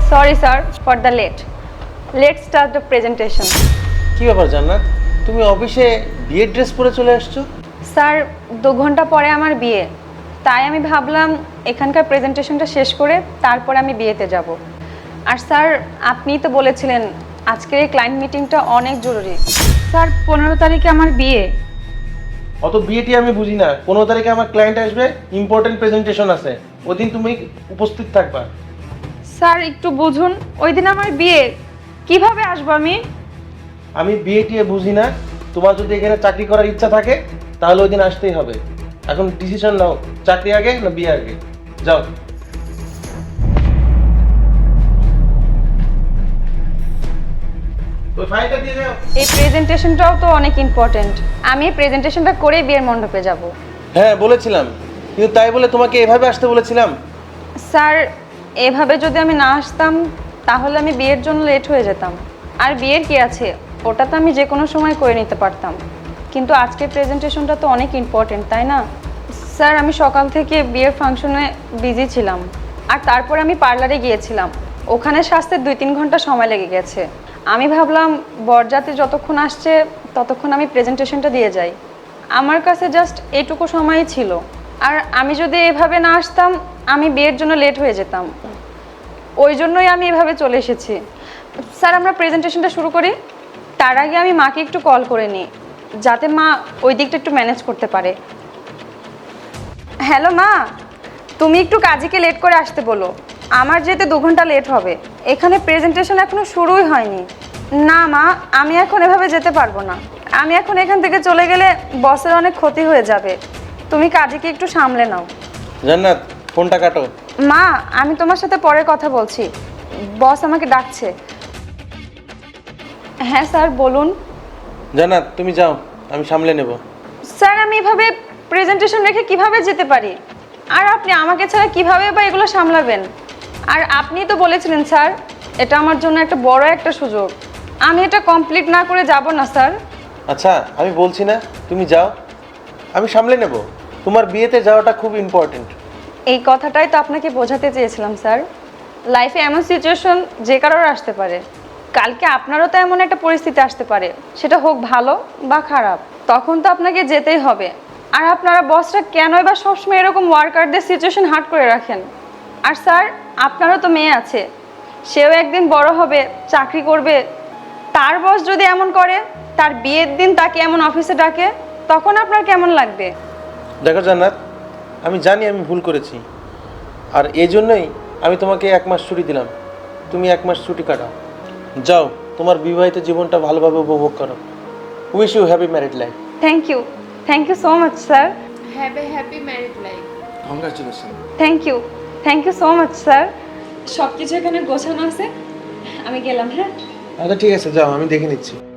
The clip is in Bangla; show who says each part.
Speaker 1: Sorry sir for the late. Let's start the presentation.
Speaker 2: কি ব্যাপার জান্নাত, তুমি অফিসে বিয়ের ড্রেস পরে চলে আসছো?
Speaker 1: স্যার 2 ঘন্টা পরে আমার বিয়ে, তাই আমি ভাবলাম এখানকার প্রেজেন্টেশনটা শেষ করে তারপরে আমি বিয়েতে যাব। আর স্যার আপনিই তো বলেছিলেন আজকের এই ক্লায়েন্ট মিটিংটা অনেক জরুরি। স্যার 15 তারিখে আমার বিয়ে।
Speaker 2: অত বিয়েটি আমি বুঝি না। 15 তারিখে আমার ক্লায়েন্ট আসবে, ইম্পর্টেন্ট প্রেজেন্টেশন আছে, ওদিন তুমি উপস্থিত থাকবা।
Speaker 1: স্যার একটু বুঝুন, ওই দিন আমার বিয়ে, কিভাবে আসবো আমি?
Speaker 2: আমি বিয়েটি বুঝি না। তোমার যদি এখানে চাকরি করার ইচ্ছা থাকে তাহলে ওই দিন আসতেই হবে। এখন ডিসিশন নাও, চাকরি আগে না বিয়ে আগে। যাও। ওই ফাইলটা দিয়ে যাও।
Speaker 1: এই প্রেজেন্টেশনটাও তো অনেক ইম্পর্টেন্ট, আমি এই প্রেজেন্টেশনটা করে বিয়ের মণ্ডপে যাব।
Speaker 2: হ্যাঁ বলেছিলাম, কিন্তু তাই বলে তোমাকে এভাবে আসতে বলেছিলাম?
Speaker 1: স্যার এভাবে যদি আমি না আসতাম তাহলে আমি বিয়ের জন্য লেট হয়ে যেতাম। আর বিয়ের কি আছে, ওটা তো আমি যে কোনো সময় করে নিতে পারতাম, কিন্তু আজকের প্রেজেন্টেশনটা তো অনেক ইম্পর্টেন্ট, তাই না? স্যার আমি সকাল থেকে বিয়ের ফাংশনে বিজি ছিলাম, আর তারপর আমি পার্লারে গিয়েছিলাম, ওখানে সাজতে 2-3 ঘন্টা সময় লেগে গেছে। আমি ভাবলাম বরযাত্রী যতক্ষণ আসছে ততক্ষণ আমি প্রেজেন্টেশনটা দিয়ে যাই। আমার কাছে জাস্ট এইটুকু সময়ই ছিল, আর আমি যদি এভাবে না আসতাম আমি বিয়ের জন্য লেট হয়ে যেতাম। ওই জন্যই আমি এভাবে চলে এসেছি। স্যার আমরা প্রেজেন্টেশনটা শুরু করি। তার আগে আমি মাকে একটু কল করে নিই, যাতে মা ওই দিকটা একটু ম্যানেজ করতে পারে। হ্যালো মা, তুমি একটু কাজীকে লেট করে আসতে বলো, আমার যেতে 2 ঘন্টা লেট হবে। এখানে প্রেজেন্টেশন এখনো শুরুই হয়নি। না মা, আমি এখন এভাবে যেতে পারবো না। আমি এখন এখান থেকে চলে গেলে বসের অনেক ক্ষতি হয়ে যাবে। তুমি কাজীকে একটু সামলে নাও।
Speaker 2: জান্নাত ফোনটা কাটো।
Speaker 1: মা আমি তোমার সাথে পরে কথা বলছি, বস আমাকে ডাকছে। হ্যাঁ স্যার বলুন।
Speaker 2: জান্নাত তুমি যাও, আমি সামলে নেব।
Speaker 1: স্যার আমি এভাবে প্রেজেন্টেশন রেখে কিভাবে যেতে পারি? আর আপনি আমাকে ছাড়া কিভাবে বা এগুলো সামলাবেন? আর আপনি তো বলেছিলেন স্যার এটা আমার জন্য একটা বড় একটা সুযোগ, আমি এটা কমপ্লিট না করে যাব না স্যার।
Speaker 2: আচ্ছা আমি বলছি না, তুমি যাও, আমি সামলে নেব। তোমার বিয়েতে যাওয়াটা খুব ইম্পর্টেন্ট।
Speaker 1: এই কথাটাই তো আপনাকে বোঝাতে চেয়েছিলাম স্যার। লাইফে এমন সিচুয়েশন যে কারোর আসতে পারে, কালকে আপনারও তো এমন একটা পরিস্থিতি আসতে পারে, সেটা হোক ভালো বা খারাপ, তখন তো আপনাকে যেতেই হবে। আর আপনারা বসরা কেনই বা সবসময় এরকম ওয়ার্কারদের সিচুয়েশন হার্ড করে রাখেন? আর স্যার আপনারও তো মেয়ে আছে, সেও একদিন বড় হবে, চাকরি করবে, তার বস যদি এমন করে, তার বিয়ের দিন তাকে এমন অফিসে ডাকে, তখন আপনার কেমন লাগবে?
Speaker 2: দেখো জান্নাত, আমি জানি আমি ভুল করেছি, আর এই জন্যই আমি তোমাকে 1 মাস ছুটি দিলাম। তুমি 1 মাস ছুটি কাটাও, যাও তোমার বিবাহিত জীবনটা ভালোভাবে উপভোগ করো। Wish you happy married life.
Speaker 1: Thank you so much sir.
Speaker 3: Have a happy married life.
Speaker 2: Congratulation.
Speaker 1: Thank you so much sir. সব কিছু এখানে গোছানো আছে, আমি গেলাম। হ্যাঁ
Speaker 2: আচ্ছা ঠিক আছে, যাও, আমি দেখে নিচ্ছি।